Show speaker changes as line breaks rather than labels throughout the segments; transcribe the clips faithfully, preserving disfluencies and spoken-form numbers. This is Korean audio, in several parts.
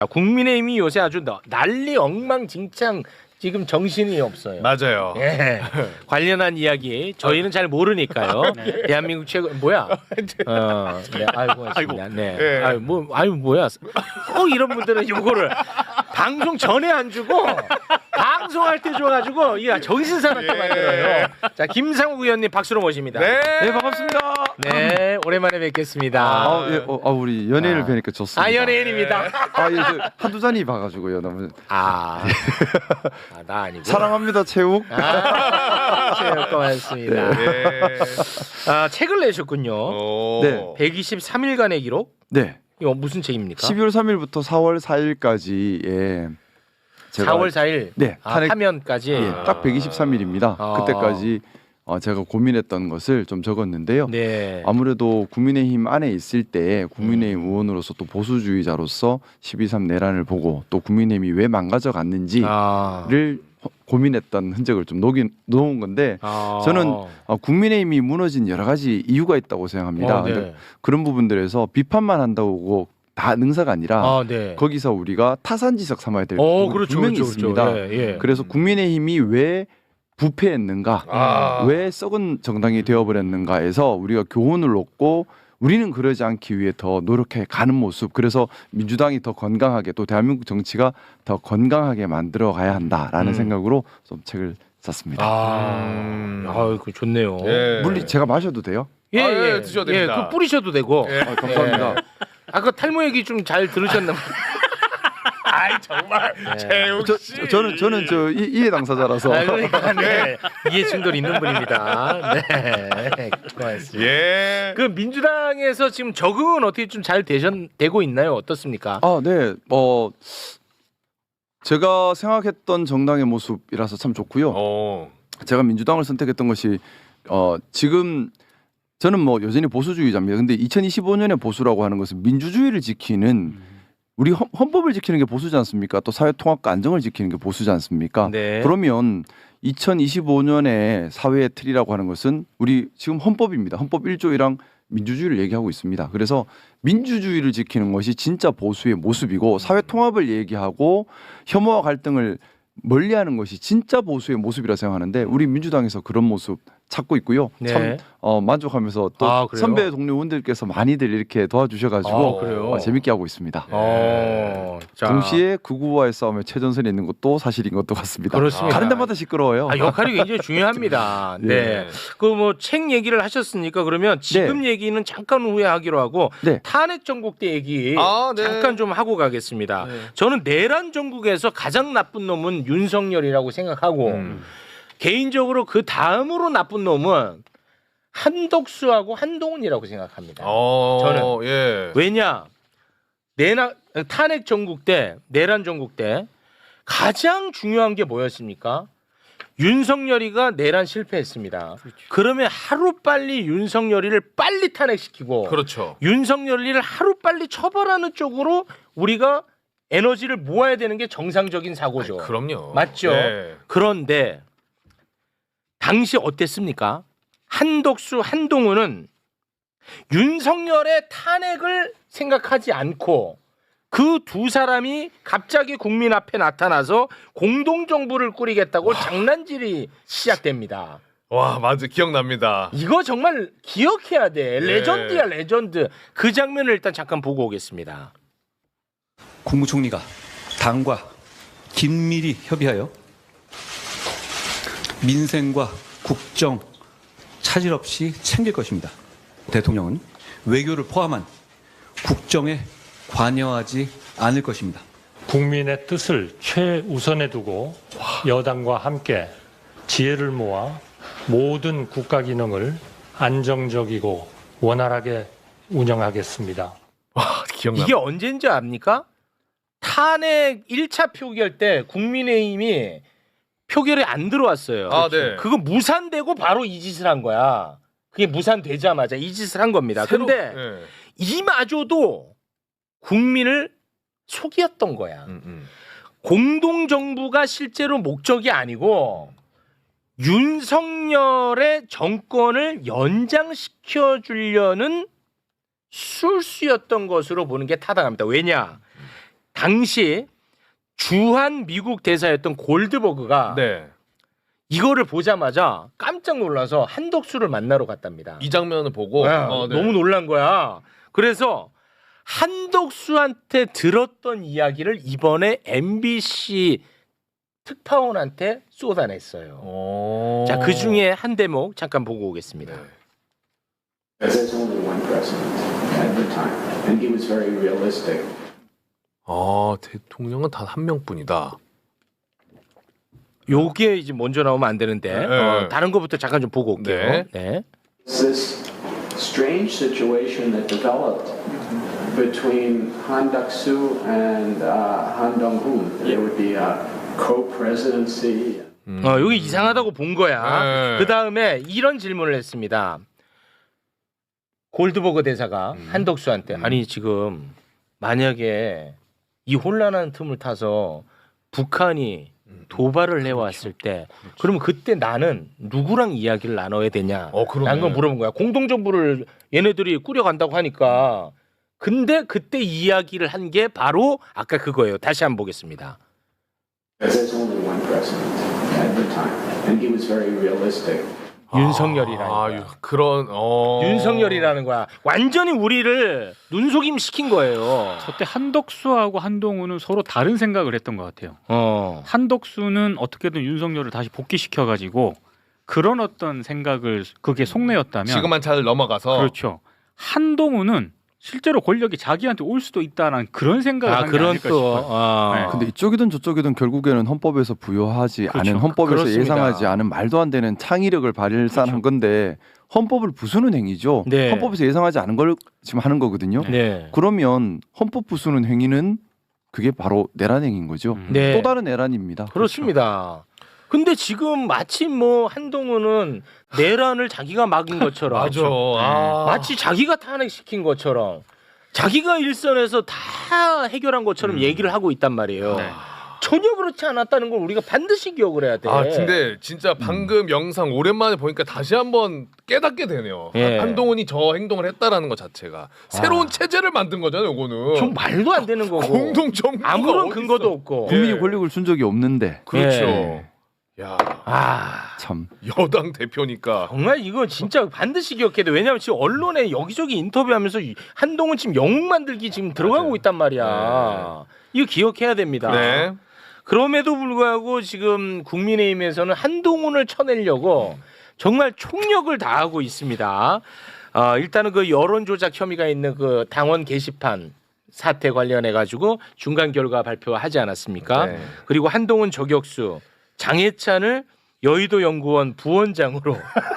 국민의힘이 요새 아주 난리 엉망진창 지금 정신이 없어요.
맞아요.
예. 관련한 이야기 저희는 잘 모르니까요. 네. 대한민국 최고 뭐야? 어, 네, 아이고, 고맙습니다. 네,
예.
아유 뭐, 아유 뭐야? 꼭 이런 분들은 요거를 방송 전에 안 주고 방송할 때 줘가지고 이 정신 사납게 만들어요. 자, 김상욱 의원님 박수로 모십니다.
네,
네 반갑습니다.
네, 오랜만에 뵙겠습니다.
아, 예, 어, 아 우리 연예인을
아.
뵈니까 좋습니다.
아, 연예인입니다.
아, 예, 저 한두 잔이 봐가지고요. 너무
아, 아, 나 아니고.
사랑합니다, 체육.
아, 체육 고맙습니다.
네.
아, 책을 내셨군요.
오.
네.
백이십삼 일간의 기록?
네.
이거 무슨 책입니까?
십이월 삼일부터 사월 사일까지에 제가
사월 사일.
네,
아,
탄핵-
하면까지.
예, 딱 백이십삼 일입니다.
아.
그때까지 어, 제가 고민했던 것을 좀 적었는데요.
네.
아무래도 국민의힘 안에 있을 때 국민의힘 의원으로서 또 보수주의자로서 십이 삼 내란을 보고 또 국민의힘이 왜 망가져 갔는지를
아.
고민했던 흔적을 좀 녹인, 놓은 건데
아.
저는 어, 국민의힘이 무너진 여러 가지 이유가 있다고 생각합니다.
어, 네.
근데 그런 부분들에서 비판만 한다고 다 능사가 아니라
아, 네.
거기서 우리가 타산지석 삼아야 될
어,
부분이
그렇죠,
분명히
그렇죠,
있습니다.
그렇죠. 예, 예.
그래서 국민의힘이 왜 부패했는가,
아.
왜 썩은 정당이 되어버렸는가에서 우리가 교훈을 얻고 우리는 그러지 않기 위해 더 노력해 가는 모습. 그래서 민주당이 더 건강하게 또 대한민국 정치가 더 건강하게 만들어 가야 한다라는
음.
생각으로 좀 책을 샀습니다.
아,
음.
아, 그 좋네요.
예.
물리 제가 마셔도 돼요?
예,
아, 예,
예,
드셔도
예,
됩니다.
그 뿌리셔도 되고.
예.
아, 감사합니다.
아까 탈모 얘기 좀 잘 들으셨나 봐요.
아이 정말 재욱
저,
씨.
저, 저는 저는 저 이, 이해 당사자라서
아, 그러니까 네. 이해 충돌 있는 분입니다. 네. 고맙습니다.
예.
그 민주당에서 지금 적응은 어떻게 좀 잘 되고 있나요? 어떻습니까?
아, 네. 어 제가 생각했던 정당의 모습이라서 참 좋고요.
어.
제가 민주당을 선택했던 것이 어 지금 저는 뭐 여전히 보수주의자입니다. 근데 이천이십오 년의 보수라고 하는 것은 민주주의를 지키는 우리 헌, 헌법을 지키는 게 보수지 않습니까? 또 사회 통합과 안정을 지키는 게 보수지 않습니까?
네.
그러면 이천이십오 년의 사회의 틀이라고 하는 것은 우리 지금 헌법입니다. 헌법 일 조이랑 민주주의를 얘기하고 있습니다. 그래서 민주주의를 지키는 것이 진짜 보수의 모습이고 사회 통합을 얘기하고 혐오와 갈등을 멀리하는 것이 진짜 보수의 모습이라 생각하는데 우리 민주당에서 그런 모습 찾고 있고요.
네.
참 어, 만족하면서 또
아, 그래요?
선배 동료 의원들께서 많이들 이렇게 도와주셔가지고
아, 그래요?
어, 재밌게 하고 있습니다.
어, 자.
동시에 극우와의 싸움에 최전선에 있는 것도 사실인 것도 같습니다.
그렇습니다.
가는 데마다 시끄러워요.
아, 역할이 굉장히 중요합니다. 네.
예.
그 뭐 책 얘기를 하셨으니까 그러면 지금 얘기는 잠깐 후에 하기로 하고
네.
탄핵 전국대 얘기
아, 네.
잠깐 좀 하고 가겠습니다.
네.
저는 내란 전국에서 가장 나쁜 놈은 윤석열이라고 생각하고
음.
개인적으로 그 다음으로 나쁜 놈은 한덕수하고 한동훈이라고 생각합니다.
어.
저는.
예.
왜냐? 내나 탄핵 전국 때 내란 전국 때 가장 중요한 게 뭐였습니까? 윤석열이가 내란 실패했습니다. 그러면 하루 빨리 윤석열이를 빨리 탄핵시키고
그렇죠.
윤석열이를 하루 빨리 처벌하는 쪽으로 우리가 에너지를 모아야 되는 게 정상적인 사고죠.
그럼요.
맞죠?
예.
그런데 당시 어땠습니까? 한덕수, 한동훈은 윤석열의 탄핵을 생각하지 않고 그 두 사람이 갑자기 국민 앞에 나타나서 공동정부를 꾸리겠다고 장난질이 시작됩니다.
와, 맞아. 기억납니다.
이거 정말 기억해야 돼.
예.
레전드야, 레전드. 그 장면을 일단 잠깐 보고 오겠습니다.
국무총리가 당과 긴밀히 협의하여 민생과 국정 차질 없이 챙길 것입니다. 대통령은 외교를 포함한 국정에 관여하지 않을 것입니다.
국민의 뜻을 최우선에 두고 여당과 함께 지혜를 모아 모든 국가 기능을 안정적이고 원활하게 운영하겠습니다.
와, 기억납니다.
이게 언제인지 압니까? 탄핵 일 차 표결 때 국민의힘이 표결에 안 들어왔어요.
아, 네.
그거 무산되고 바로 이 짓을 한 거야. 그게 무산되자마자 이 짓을 한 겁니다.
새로-
근데
예.
이마저도 국민을 속였던 거야.
음, 음.
공동정부가 실제로 목적이 아니고 윤석열의 정권을 연장시켜 주려는 술수였던 것으로 보는 게 타당합니다. 왜냐? 당시 주한 미국 대사였던 골드버그가
네.
이거를 보자마자 깜짝 놀라서 한덕수를 만나러 갔답니다.
이 장면을 보고
네,
어, 네.
너무 놀란 거야. 그래서 한덕수한테 들었던 이야기를 이번에 엠비씨 특파원한테 쏟아냈어요.
오.
자, 그 중에 한 대목 잠깐 보고 오겠습니다.
There's only one president at the time, and he was very realistic.
아, 대통령은 단 한 명뿐이다.
요게 이제 먼저 나오면 안 되는데
네.
어, 다른 거부터 잠깐 좀 보고 올게요.
네.
네.
It's this strange situation that developed between Han Duck-soo and uh, Han Dong-hoon. There would be a co-presidency.
음.
어, 여기 이상하다고 본 거야.
네.
그 다음에 이런 질문을 했습니다. 골드버그 대사가
음.
한덕수한테
음.
아니 지금 만약에 이 혼란한 틈을 타서 북한이 도발을 해왔을 때 그러면 그때 나는 누구랑 이야기를 나눠야 되냐
어, 그러네.
라는 걸 물어본 거야. 공동정부를 얘네들이 꾸려간다고 하니까 근데 그때 이야기를 한 게 바로 아까 그거예요. 다시 한번 보겠습니다.
There's only one president at the time, and he was very realistic.
윤석열이라는
아,
거야.
유- 그런 어.
윤석열이라는 거야. 완전히 우리를 눈속임 시킨 거예요.
저때 한덕수하고 한동훈은 서로 다른 생각을 했던 것 같아요.
어.
한덕수는 어떻게든 윤석열을 다시 복귀시켜가지고 그런 어떤 생각을 그게 속내였다면
지금만 잘 넘어가서
그렇죠. 한동훈은 실제로 권력이 자기한테 올 수도 있다는 그런 생각을
아
한 게
그런
아닐까
또
싶어요.
아.
네.
근데 이쪽이든 저쪽이든 결국에는 헌법에서 부여하지
그렇죠.
않은 헌법에서
그렇습니다.
예상하지 않은 말도 안 되는 창의력을 발산한
그렇죠.
건데 헌법을 부수는 행위죠.
네.
헌법에서 예상하지 않은 걸 지금 하는 거거든요.
네.
그러면 헌법 부수는 행위는 그게 바로 내란 행위인 거죠.
음.
네.
또 다른 내란입니다.
그렇습니다. 근데 지금 마침 뭐 한동훈은 내란을 자기가 막은 것처럼
맞아. 아.
마치 자기가 탄핵시킨 것처럼 자기가 일선에서 다 해결한 것처럼 얘기를 하고 있단 말이에요.
네.
전혀 그렇지 않았다는 걸 우리가 반드시 기억을 해야 돼.
아 근데 진짜 방금 영상 오랜만에 보니까 다시 한번 깨닫게 되네요.
예.
한동훈이 저 행동을 했다라는 것 자체가 새로운 체제를 만든 거잖아요. 이거는
좀 말도 안 되는 거고
공동 정부가
아무런
어딨어.
근거도 없고.
국민이
예.
권력을 준 적이 없는데
그렇죠.
예.
야
아
참.
여당 대표니까
정말 이거 진짜 반드시 기억해야 돼. 왜냐하면 지금 언론에 여기저기 인터뷰하면서 이 한동훈 지금 영웅 만들기 지금 들어가고
맞아요.
있단 말이야. 이거 기억해야 됩니다.
네.
그럼에도 불구하고 지금 국민의힘에서는 한동훈을 쳐내려고 정말 총력을 다하고 있습니다. 어, 일단은 그 여론 조작 혐의가 있는 그 당원 게시판 사태 관련해 가지고 중간 결과 발표하지 않았습니까?
네.
그리고 한동훈 저격수 장해찬을 여의도 연구원 부원장으로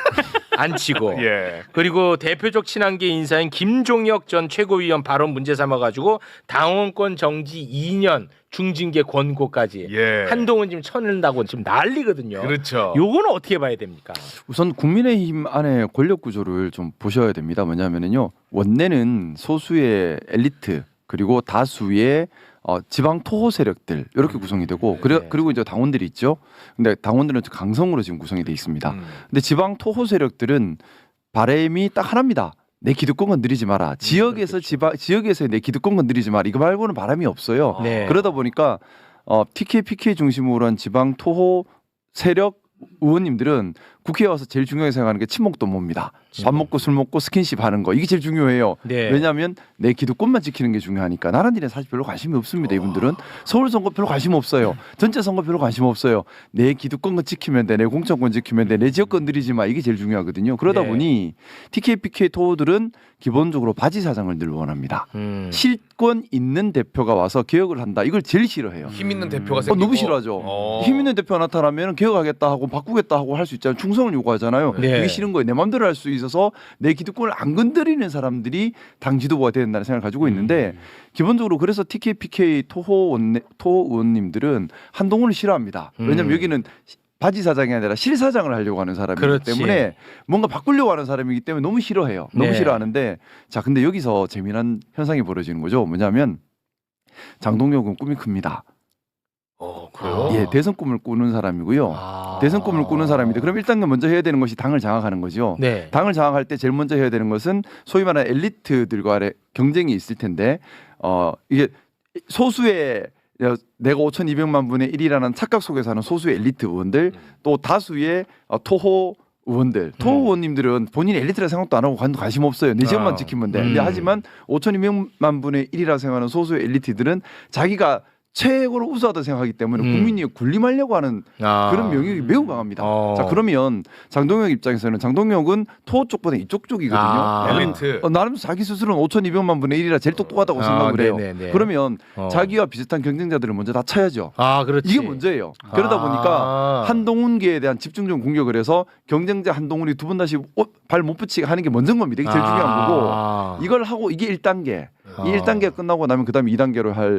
앉히고
예.
그리고 대표적 친한계 인사인 김종혁 전 최고위원 발언 문제 삼아가지고 당원권 정지 이 년 중징계 권고까지
예.
한동훈 지금 쳐낸다고 지금 난리거든요.
그렇죠.
요거는 어떻게 봐야 됩니까?
우선 국민의힘 안에 권력 구조를 좀 보셔야 됩니다. 뭐냐면요. 원내는 소수의 엘리트 그리고 다수의 어, 지방 토호 세력들 이렇게 구성이 되고 그래,
네.
그리고 이제 당원들이 있죠. 근데 당원들은 강성으로 지금 구성이 돼 있습니다.
음.
근데 지방 토호 세력들은 바램이 딱 하나입니다. 내 기득권 건드리지 마라. 지역에서 지방 지역에서 내 기득권 건드리지 마라. 이거 말고는 바람이 없어요.
네.
그러다 보니까 어, 티케이, 피케이 중심으로 한 지방 토호 세력 의원님들은 국회에 와서 제일 중요하게 생각하는 게 친목도 뭡니다. 밥 먹고 술 먹고 스킨십 하는 거 이게 제일 중요해요.
네.
왜냐하면 내 기득권만 지키는 게 중요하니까 나란 일에 사실 별로 관심이 없습니다. 이분들은 서울 선거 별로 관심 없어요. 전체 선거 별로 관심 없어요. 내 기득권만 지키면 돼, 내 공천권 지키면 돼, 내 지역 건드리지 마 이게 제일 중요하거든요. 그러다
네.
보니 티케이, 피케이 토호들은 기본적으로 바지 사장을 늘 원합니다.
음.
실권 있는 대표가 와서 개혁을 한다. 이걸 제일 싫어해요.
힘 있는 대표가
어,
생기고
너무 싫어하죠.
어.
힘 있는 대표가 나타나면 개혁하겠다 하고 바꾸겠다 하고 할 수 있잖아요. 충성을 요구하잖아요.
네.
그게 싫은 거예요. 내 마음대로 할 수 있어서 내 기득권을 안 건드리는 사람들이 당 지도부가 돼야 된다는 생각을 가지고 있는데
음.
기본적으로 그래서 티케이, 피케이 토호 원내, 토호 의원님들은 한동훈을 싫어합니다. 왜냐하면
음.
여기는 바지 사장이 아니라 실 사장을 하려고 하는 사람이기
그렇지.
때문에 뭔가 바꾸려고 하는 사람이기 때문에 너무 싫어해요. 너무
네.
싫어하는데 자 근데 여기서 재미난 현상이 벌어지는 거죠. 뭐냐면 장동혁은 꿈이 큽니다.
어, 그래요?
예, 대선 꿈을 꾸는 사람이고요.
아.
대선 꿈을 꾸는 사람인데 그럼 일단 먼저 해야 되는 것이 당을 장악하는 거죠.
네.
당을 장악할 때 제일 먼저 해야 되는 것은 소위 말하는 엘리트들과의 경쟁이 있을 텐데 어 이게 소수의 내가 오천이백만 분의 일이라는 착각 속에 사는 소수의 엘리트 의원들 또 다수의 어, 토호 의원들, 토호 의원님들은 본인이 엘리트라 생각도 안 하고 관- 관심 없어요. 내 지역만
아.
지키면 돼.
음.
근데 하지만 오천이백만 분의 일이라 생각하는 소수의 엘리트들은 자기가 최고로 우수하다 생각하기 때문에
음.
국민이 군림하려고 하는
아.
그런 명령이 매우 강합니다.
어.
자 그러면 장동혁 입장에서는 장동혁은 토호 쪽보다 이쪽 쪽이거든요.
아.
나는-
엘리트.
어, 나름 자기 스스로는 오천이백만 분의 일이라 제일 똑똑하다고
아,
생각을 해요.
네네네.
그러면
어.
자기와 비슷한 경쟁자들을 먼저 다 쳐야죠.
아, 그렇지.
이게 문제예요. 그러다
아.
보니까 한동훈계에 대한 집중적 공격을 해서 경쟁자 한동훈이 두 번 다시 발 못 붙이게 하는 게 먼저인 겁니다. 이게 제일
아.
중요한 거고 이걸 하고 이게 일 단계.
아.
이 일 단계가 끝나고 나면 그다음에 이 단계로 할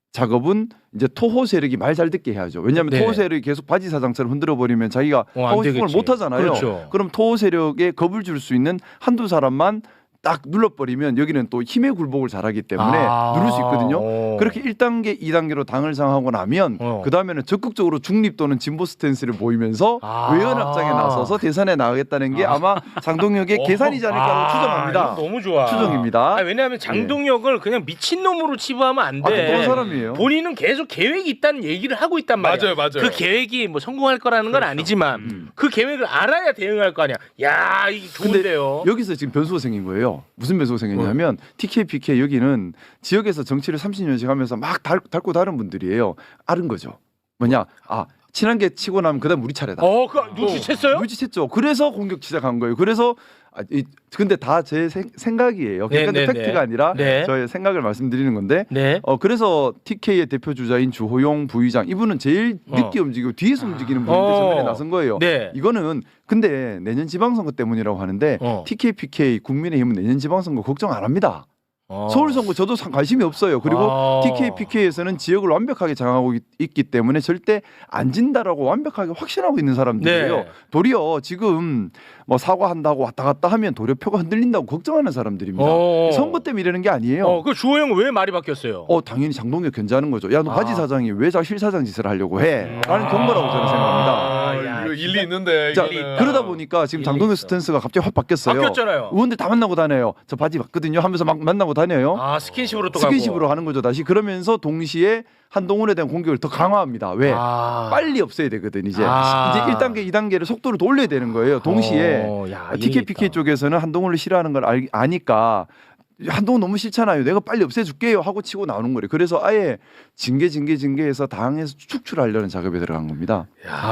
작업은 이제 토호 세력이 말 잘 듣게 해야죠. 왜냐하면
네.
토호 세력이 계속 바지 사장처럼 흔들어 버리면 자기가
어, 안
하고 싶은 걸
되겠지.
못 하잖아요.
그렇죠.
그럼 토호 세력에 겁을 줄 수 있는 한두 사람만 딱 눌러버리면 여기는 또 힘의 굴복을 잘하기 때문에
아.
누를 수 있거든요.
어.
그렇게 일 단계, 이 단계로 당을 상하고 나면
어.
그 다음에는 적극적으로 중립 또는 진보 스탠스를 보이면서
아.
외연 확장에 나서서 대선에 나가겠다는 게 아. 마 장동혁의
어.
계산이지 않을까
아,
추정합니다.
이거 너무 좋아.
추정입니다.
아, 왜냐하면 장동혁을 그냥 미친 놈으로 치부하면 안
아,
돼.
그런 사람이에요.
본인은 계속 계획이 있다는 얘기를 하고 있단 말이야.
맞아요, 맞아요.
그 계획이 뭐 성공할 거라는 건 아니지만
음.
그 계획을 알아야 대응할 거 아니야. 야, 이게 좋은데요.
여기서 지금 변수가 생긴 거예요. 무슨 변수가 생겼냐면 티케이, 피케이 여기는 지역에서 정치를 삼십 년씩 하면서 막 달, 닳고 다른 분들이에요. 아는 거죠. 뭐냐? 아 친한 게 치고 나면 그다음 우리 차례다.
어, 그 눈치챘어요?
눈치챘죠. 그래서 공격 시작한 거예요. 그래서 아, 이, 근데 다 제 생각이에요. 그러니까
네, 네,
팩트가
네.
아니라
네.
저의 생각을 말씀드리는 건데
네.
어 그래서 티케이의 대표 주자인 주호용 부의장 이분은 제일
어.
늦게 움직이고 뒤에서 움직이는 분인데
어.
전면에 나선 거예요.
네.
이거는 근데 내년 지방선거 때문이라고 하는데
어.
티케이, 피케이 국민의힘은 내년 지방선거 걱정 안 합니다.
어.
서울선거 저도 상- 관심이 없어요. 그리고
아.
티케이, 피케이에서는 지역을 완벽하게 장악하고 있, 있기 때문에 절대 안 진다라고 완벽하게 확신하고 있는 사람들이에요.
네.
도리어 지금 뭐 사과한다고 왔다 갔다 하면 도리어 표가 흔들린다고 걱정하는 사람들입니다.
어.
선거 때문에 이러는 게 아니에요.
어, 그 주호영 왜 말이 바뀌었어요?
어 당연히 장동혁 견제하는 거죠. 야 너
아.
바지 사장이 왜 자 실사장 짓을 하려고 해? 라는 경고라고 저는 생각합니다.
아, 야,
이거 일리 있는데.
자
이거는.
그러다 보니까 지금
일리
장동혁
있어.
스탠스가 갑자기 확 바뀌었어요.
바뀌었잖아요.
의원들 다 만나고 다녀요. 저 바지 봤거든요 하면서 막 만나고 다녀요.
아, 스킨십으로 또
스킨십으로
가고.
하는 거죠 다시. 그러면서 동시에 한동훈에 대한 공격을 더 강화합니다. 왜?
아.
빨리 없애야 되거든 이제.
아.
이제 일 단계, 이 단계를 속도를 더 올려야 되는 거예요. 동시에
어, 야,
티케이,
일리
피케이
있다.
쪽에서는 한동훈을 싫어하는 걸 알, 아니까 한동훈 너무 싫잖아요. 내가 빨리 없애줄게요 하고 치고 나오는 거예요. 그래서 아예 징계 징계 징계해서 당에서 축출하려는 작업에 들어간 겁니다.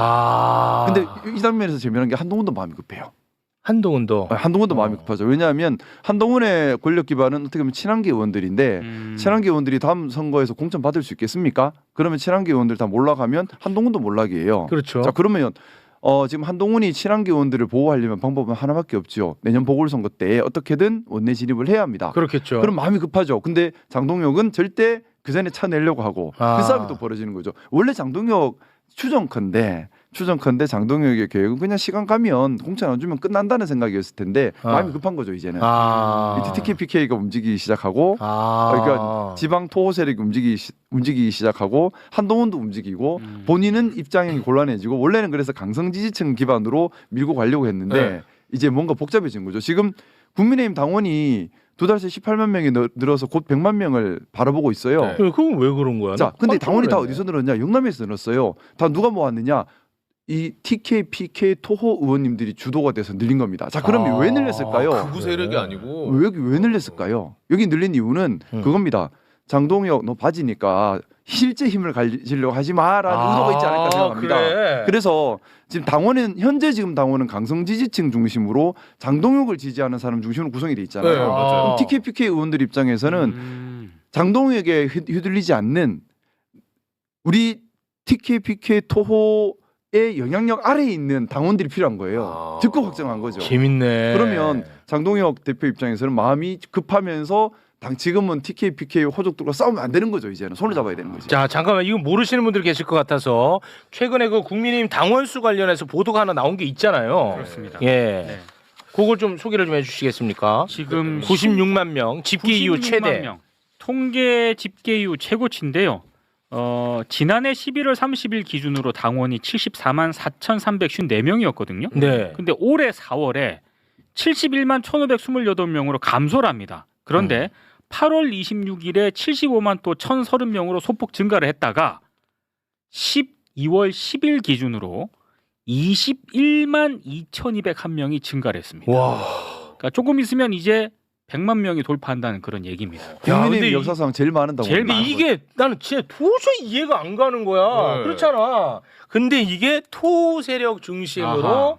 아.
근데 이 장면에서 재미난 게 한동훈도 마음이 급해요.
한동훈도
아, 한동훈도
어.
마음이 급하죠. 왜냐하면 한동훈의 권력 기반은 어떻게 보면 친한계 의원들인데
음.
친한계 의원들이 다음 선거에서 공천 받을 수 있겠습니까? 그러면 친한계 의원들 다 몰락하면 한동훈도 몰락이에요.
그렇죠.
자 그러면 어, 지금 한동훈이 친한계 의원들을 보호하려면 방법은 하나밖에 없죠. 내년 보궐선거 때 어떻게든 원내 진입을 해야 합니다.
그렇겠죠.
그럼 마음이 급하죠. 근데 장동혁은 절대 그 전에 차내려고 하고
아.
그 싸움이 또 벌어지는 거죠. 원래 장동혁 추정컨대 추정컨대 장동혁의 계획은 그냥 시간 가면 공천 안 주면 끝난다는 생각이었을 텐데
아.
마음이 급한 거죠 이제는.
아.
이제 티케이, 피케이가 움직이기 시작하고
아.
그러니까 지방 토호 세력이 움직이기, 시, 움직이기 시작하고 한동훈도 움직이고
음.
본인은 입장이 곤란해지고 원래는 그래서 강성 지지층 기반으로 밀고 가려고 했는데
네.
이제 뭔가 복잡해진 거죠. 지금 국민의힘 당원이 두 달 새 십팔만 명이 늘- 늘어서 곧 백만 명을 바라보고 있어요.
네.
그- 그건 왜 그런 거야?
자,
나
근데
깜짝
당원이 다
놀랐네.
어디서 늘었냐? 영남에서 늘었어요. 다 누가 모았느냐? 이 티케이, 피케이 토호 의원님들이 주도가 돼서 늘린 겁니다. 자, 그럼
아,
왜 늘렸을까요?
극우 세력이 아니고.
왜, 여기 왜 늘렸을까요? 여기 늘린 이유는
음.
그겁니다. 장동혁 너 바지니까 실제 힘을 가지려고 하지 마라는
아,
의도가 있지 않을까 생각합니다.
그래.
그래서 지금 당원은 현재 지금 당원은 강성 지지층 중심으로 장동혁을 지지하는 사람 중심으로 구성이 돼 있잖아요.
네, 맞아요.
그럼 티케이, 피케이 의원들 입장에서는
음.
장동혁에게 휘- 휘둘리지 않는 우리 티케이, 피케이 토호의 영향력 아래에 있는 당원들이 필요한 거예요.
아.
적극 확정한 거죠.
재밌네.
그러면 장동혁 대표 입장에서는 마음이 급하면서 당 지금은 티케이, 피케이 호족들과 싸우면 안 되는 거죠. 이제는 손을 잡아야 되는 거죠.
자, 잠깐만, 이거 모르시는 분들 계실 것 같아서 최근에 그 국민의힘 당원수 관련해서 보도가 하나 나온 게 있잖아요.
그렇습니다.
예,
네.
그걸 좀 소개를 좀 해주시겠습니까?
지금
구십육만 명 집계 이후
구십육만
최대.
명. 통계 집계 이후 최고치인데요. 어, 지난해 십일월 삼십일 기준으로 당원이 칠십사만 사천삼백오십사 명이었거든요.
네.
근데 올해 사월에 칠십일만 천오백이십팔 명으로 감소를 합니다. 그런데 팔월 이십육일에 칠십오만 또 천삼십 명으로 소폭 증가를 했다가 십이월 십일 기준으로 이십일만 이천이백일 명이 증가를 했습니다.
와.
그러니까 조금 있으면 이제 백만 명이 돌파한다는 그런 얘기입니다.
국민의힘
근데 이-
역사상 제일 많은다고.
제일
근데
많은
이게 나는 진짜 도저히 이해가 안 가는 거야.
네.
그렇잖아. 근데 이게 토 세력 중심으로
아하.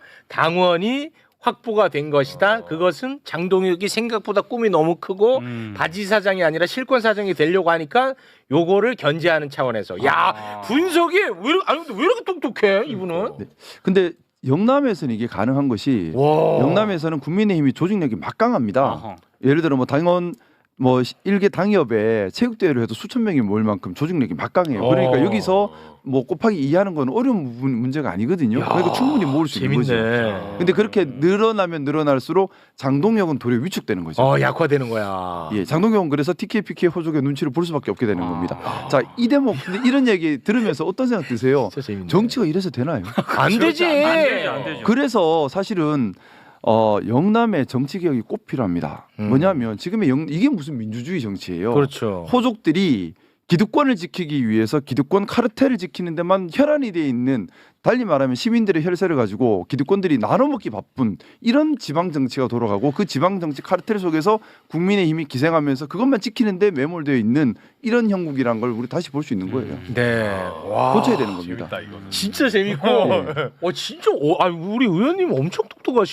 당원이 확보가 된 것이다.
어.
그것은 장동혁이 생각보다 꿈이 너무 크고
음.
바지 사장이 아니라 실권 사장이 되려고 하니까 요거를 견제하는 차원에서. 야,
아.
분석이 왜 이렇게 아니 근데 왜 이렇게 똑똑해 이분은?
네. 근데 영남에서는 이게 가능한 것이
와.
영남에서는 국민의힘이 조직력이 막강합니다.
어허.
예를 들어 뭐 당원 뭐 일개 당협에 체육대회를 해도 수천 명이 모일 만큼 조직력이 막강해요. 그러니까
어.
여기서 뭐 곱하기 이 하는 건 어려운 부분 문제가 아니거든요.
야,
그러니까 충분히 모을 수 있는 거죠.
재밌네.
근데 그렇게 늘어나면 늘어날수록 장동혁은 도리어 위축되는 거죠.
어, 약화되는 거야.
예, 장동혁은 그래서 티케이 피케이 호족의 눈치를 볼 수밖에 없게 되는
아.
겁니다. 자, 이 대목 근데 이런 얘기 들으면서 어떤 생각 드세요?
진짜 재밌네.
정치가 이래서 되나요?
안 되지.
안 되지, 안 되죠.
그래서 사실은 어, 영남의 정치 개혁이 꼭 필요합니다.
음.
뭐냐면 지금의 영, 이게 무슨 민주주의 정치예요.
그렇죠.
호족들이 기득권을 지키기 위해서 기득권 카르텔을 지키는 데만 혈안이 돼 있는, 달리 말하면 시민들의 혈세를 가지고 기득권들이 나눠먹기 바쁜 이런 지방 정치가 돌아가고, 그 지방 정치 카르텔 속에서 국민의 힘이 기생하면서 그것만 지키는데 매몰되어 있는 이런 형국이란 걸 우리 다시 볼 수 있는 거예요.
네. 와.
고쳐야 되는 겁니다.
재밌다 이거는.
진짜 재밌고.
네.
어 진짜 어, 아 우리 의원님 엄청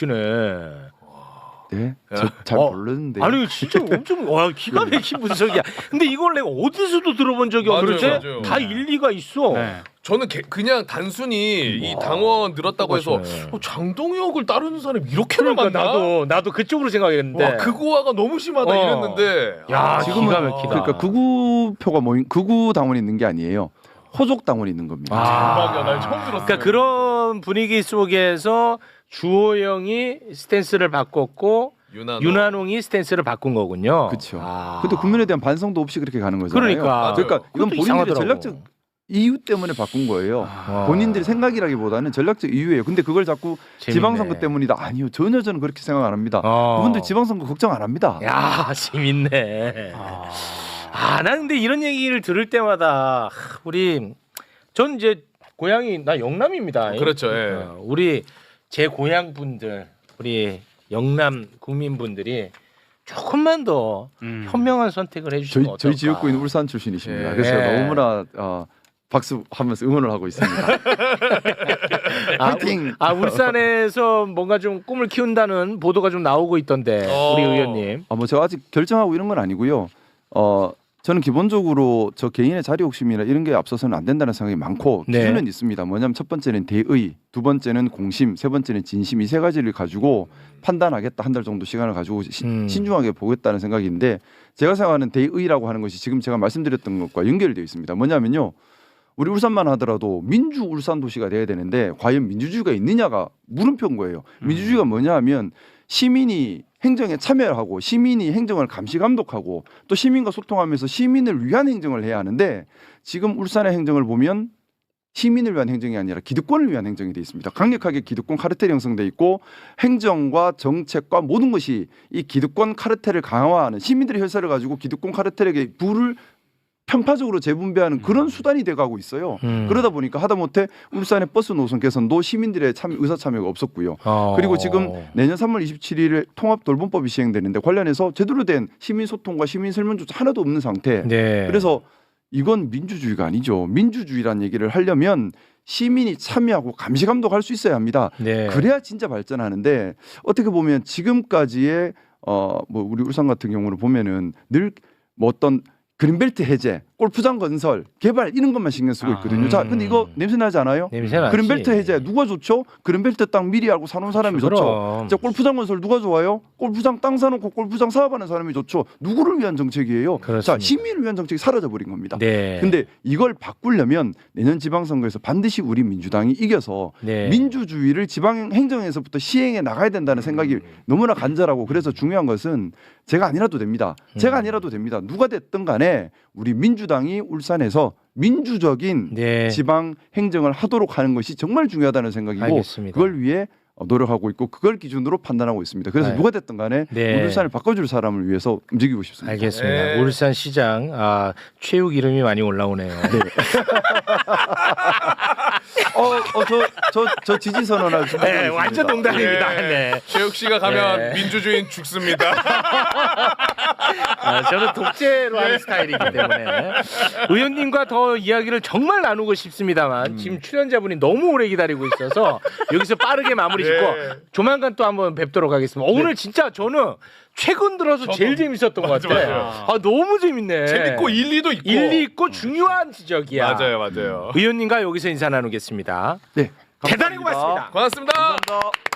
똑똑하시네.
네, 저 잘
어,
모르는데.
아니 진짜 엄청 와 기가 막힌 분석이야. 근데 이걸 내가 어디서도 들어본 적이
맞아요,
없는데
맞아요.
다 일리가 있어.
네.
저는 개- 그냥 단순히 이 당원 늘었다고 해서
똑똑하시네.
어, 장동혁을 따르는 사람이 이렇게나
그러니까
많나?
나도 나도 그쪽으로 생각했는데.
와, 극우화가 너무 심하다
어.
이랬는데.
야,
지금은
기가 막히다.
그러니까 극우 표가 모인 극우 당원이 있는 게 아니에요. 호족 당원이 있는 겁니다.
대박이야. 나 처음 들었어.
그러니까 그런 분위기 속에서 주호영이 스탠스를 바꿨고
유난호.
윤한홍이 스탠스를 바꾼 거군요.
그렇죠.
아.
근데 국민에 대한 반성도 없이 그렇게 가는 거잖아요.
그러니까.
그러니까 이건
그것도
본인들의
이상하더라고.
전략적 이유 때문에 바꾼 거예요.
아.
본인들의 생각이라기보다는 전략적 이유예요. 근데 그걸 자꾸
재밌네.
지방선거 때문이다. 아니요. 전혀 저는 그렇게 생각 안 합니다.
어.
그분들 지방선거 걱정 안 합니다.
야 재밌네.
아.
아, 나 근데 이런 얘기를 들을 때마다 하, 우리 전 이제 고향이 나 영남입니다.
그렇죠, 예.
어, 우리 제 고향 분들, 우리 영남 국민분들이 조금만 더
음.
현명한 선택을
저희,
해주시면 어떨까?
저희 지역구인 울산 출신이십니다.
예.
그래서 제가
예.
너무나 어, 박수하면서 응원을 하고 있습니다.
아,
파이팅!
아 울산에서 뭔가 좀 꿈을 키운다는 보도가 좀 나오고 있던데
어.
우리 의원님.
아, 뭐 제가 아직 결정하고 이런 건 아니고요. 어, 저는 기본적으로 저 개인의 자리 욕심이나 이런 게 앞서서는 안 된다는 생각이 많고
네.
기준은 있습니다. 뭐냐면 첫 번째는 대의, 두 번째는 공심, 세 번째는 진심, 이 세 가지를 가지고 판단하겠다. 한 달 정도 시간을 가지고 시-
음.
신중하게 보겠다는 생각인데, 제가 생각하는 대의라고 하는 것이 지금 제가 말씀드렸던 것과 연결되어 있습니다. 뭐냐면요. 우리 울산만 하더라도 민주 울산 도시가 돼야 되는데 과연 민주주의가 있느냐가 물음표인 거예요. 민주주의가 뭐냐 하면 시민이 행정에 참여하고 시민이 행정을 감시 감독하고 또 시민과 소통하면서 시민을 위한 행정을 해야 하는데, 지금 울산의 행정을 보면 시민을 위한 행정이 아니라 기득권을 위한 행정이 돼 있습니다. 강력하게 기득권 카르텔이 형성돼 있고 행정과 정책과 모든 것이 이 기득권 카르텔을 강화하는, 시민들의 혈세를 가지고 기득권 카르텔에게 부를 편파적으로 재분배하는 그런 수단이 돼가고 있어요.
음.
그러다 보니까 하다못해 울산의 버스 노선 개선도 시민들의 참 의사 참여가 없었고요.
어.
그리고 지금 내년 삼월 이십칠일에 통합 돌봄법이 시행되는데 관련해서 제대로 된 시민 소통과 시민 설문조차 하나도 없는 상태.
네.
그래서 이건 민주주의가 아니죠. 민주주의란 얘기를 하려면 시민이 참여하고 감시 감독할 수 있어야 합니다.
네.
그래야 진짜 발전하는데, 어떻게 보면 지금까지의 어 뭐 우리 울산 같은 경우를 보면은 늘 뭐 어떤 그린벨트 해제, 골프장 건설, 개발 이런 것만 신경 쓰고 있거든요.
아,
자, 근데 이거 냄새 나지 않아요?
냄새 나지.
그린벨트 해제 누가 좋죠? 그린벨트 땅 미리 알고 사는 사람이 좋죠.
그럼.
자, 골프장 건설 누가 좋아요? 골프장 땅 사놓고 골프장 사업하는 사람이 좋죠. 누구를 위한 정책이에요?
그렇습니다.
자, 시민을 위한 정책이 사라져 버린 겁니다.
네.
근데 이걸 바꾸려면 내년 지방선거에서 반드시 우리 민주당이 이겨서
네.
민주주의를 지방 행정에서부터 시행해 나가야 된다는 생각이 너무나 간절하고, 그래서 중요한 것은 제가 아니라도 됩니다. 제가
음.
아니라도 됩니다. 누가 됐든 간에 우리 민주당이 울산에서 민주적인
네.
지방 행정을 하도록 하는 것이 정말 중요하다는 생각이고,
알겠습니다.
그걸 위해 어, 노력하고 있고 그걸 기준으로 판단하고 있습니다. 그래서
네.
누가 됐든 간에
네.
울산을 바꿔줄 사람을 위해서 움직이고 싶습니다.
알겠습니다.
네.
울산 시장 아, 최욱 이름이 많이 올라오네요.
어, 어, 저, 저, 저 지지 선언할 준비.
네, 완전 농담입니다.
예.
네.
최욱 씨가 가면
네.
민주주의는 죽습니다.
아, 저는 독재로 하는 스타일이기 때문에 의원님과 더 이야기를 정말 나누고 싶습니다만 지금 출연자분이 너무 오래 기다리고 있어서 여기서 빠르게 마무리 짓고
네.
조만간 또 한번 뵙도록 하겠습니다. 어, 오늘 진짜 저는 최근 들어서
저도.
제일 재밌었던 것
맞아,
같아요.
맞아요.
아, 너무 재밌네.
재밌고 일리도 있고.
일리 있고 중요한 지적이야.
맞아요, 맞아요.
의원님과 여기서 인사 나누겠습니다.
네.
대단히 고맙습니다.
고맙습니다.
감사합니다.